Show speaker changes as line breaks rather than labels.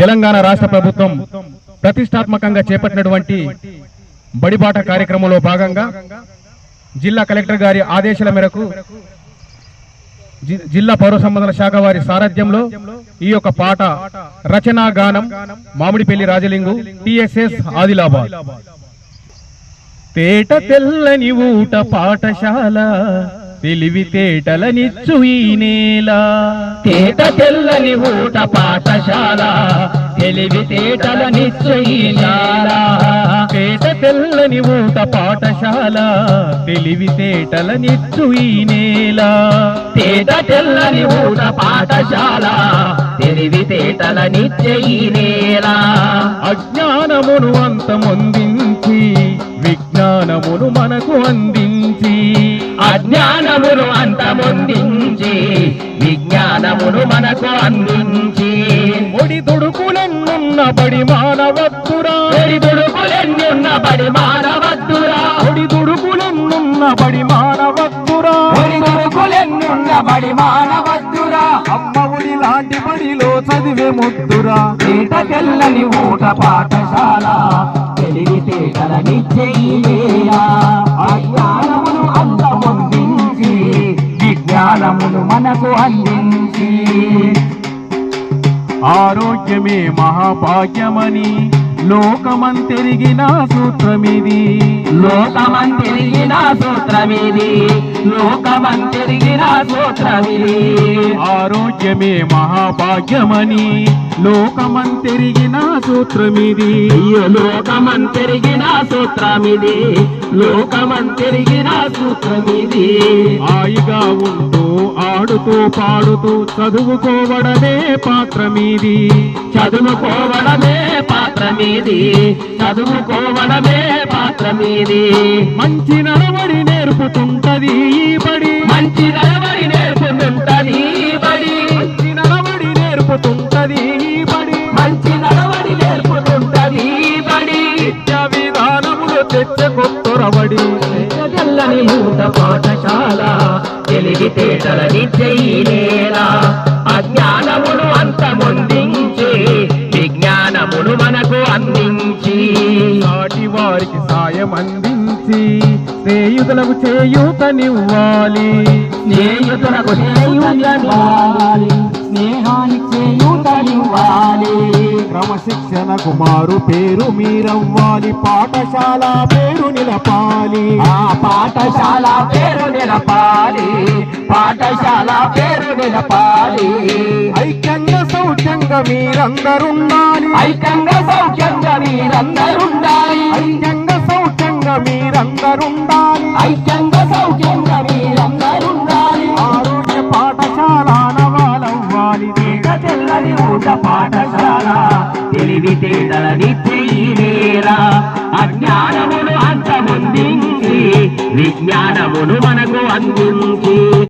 తెలంగాణ రాష్ట్ర ప్రభుత్వం ప్రతిష్టాత్మకంగా చేపట్టినటువంటి బడిబాట కార్యక్రమంలో భాగంగా జిల్లా కలెక్టర్ గారి ఆదేశాల మేరకు జిల్లా పౌర సంబంధాల శాఖ వారి సారథ్యంలో ఈ యొక్క పాట రచనా గానం మామిడిపల్లి రాజలింగు టిఎస్ఎస్ ఆదిలాబాద్. తేట తెల్లని ఊట పాఠశాల తెలివితేటలనిచ్చు ఈ నేల.
తేట తెల్లని ఊట పాఠశాల తెలివితేటలనిచ్చు ఈ నేల.
తేట తెల్లని ఊట పాఠశాల తెలివితేటలనిచ్చు ఈ నేల.
తేట తెల్లని ఊట పాఠశాల తెలివితేటలనిచ్చు ఈ నేల.
అజ్ఞానమును అంతమొందించి విజ్ఞానమును మనకు అందించి.
అజ్ఞానమును అంతమొందించి విజ్ఞానమును మనకు అందించి.
ఒడి దుడుకులెన్నున్న బడి మానవత్తురా.
ఒడి దుడుకులెన్నున్న బడి మానవత్తురా.
ఒడి దుడుకులెన్నున్న బడి మానవత్తురా.
ఒడి దుడుకులెన్నున్న బడి మానవత్తురా.
అమ్మ ఒడి లాంటి బడిలో చదివే ముద్దురా.
తేట తెల్లని ఊట పాఠశాల తెలివితేటలనిచ్చే ఈ నేల. అజ్ఞానమును అంతమొందించి విజ్ఞానమును మనకు అందించి.
ఆరోగ్యమే మహాభాగ్యమని లోకమంతెరిగిన సూత్రమిది.
లోకమంతెరిగిన సూత్రమిది. లోకమంతెరిగిన సూత్రమిది.
ఆరోగ్యమే మహాభాగ్యమని లోకమంతెరిగిన సూత్రమిది.
లోకమంతెరిగిన సూత్రమిది. లోకమంతెరిగిన సూత్రమిది.
హాయిగా ఉంటూ ఆడుతూ పాడుతూ చదువుకోవడమే పాత్రమిది.
చదువుకోవడమే పాత్రమిది. చదువుకోవడమే పాత్రమిది.
మంచి నడవడి నేర్పుతుంటది ఈ బడి.
మంచి నడవడి నేర్పుతుంటది ఈ బడి.
మంచి నడవడి నేర్పుతుంటది ఈ బడి.
మంచి నడవడి నేర్పుతుంటది ఈ బడి.
విద్యా విధానములు తెచ్చకొత్తొరబడి.
తెల్లని ఊట పాఠశాల తెలివితేటలనిచ్చే ఈ నేల. అజ్ఞానమును అంతమొందించి విజ్ఞానమును మనకు అందించి.
నాటి వారికి సాయం అందించి స్నేహితులకు చేయూతనివ్వాలి.
స్నేహితులకు చేయూతనివ్వాలి. స్నేహానికి చేయూతనివ్వాలి.
క్రమశిక్షణకు మారు పేరు మీరవ్వాలి. పాఠశాల పేరు నిలపాలి.
ఆ పాఠశాల పేరు నిలపాలి. పాఠశాల పేరు నిలపాలి.
ఐక్యంగా సౌఖ్యంగా మీరందరుండాలి.
ఐక్యంగా సౌఖ్యంగా మీరందరుండాలి.
ఐక్యంగా సౌఖ్యంగా మీరందరుండాలి.
ఐక్యంగా సౌఖ్యంగా మీరందరుండాలి.
ఆరోగ్య పాఠశాల నవాలవ్వాలి.
తేట తెల్లని ఊట పాఠశాల తెలివితేటలనిచ్చే ఈ నేల. అజ్ఞానమును అంతమొందించి విజ్ఞానమును మనకు అందించి.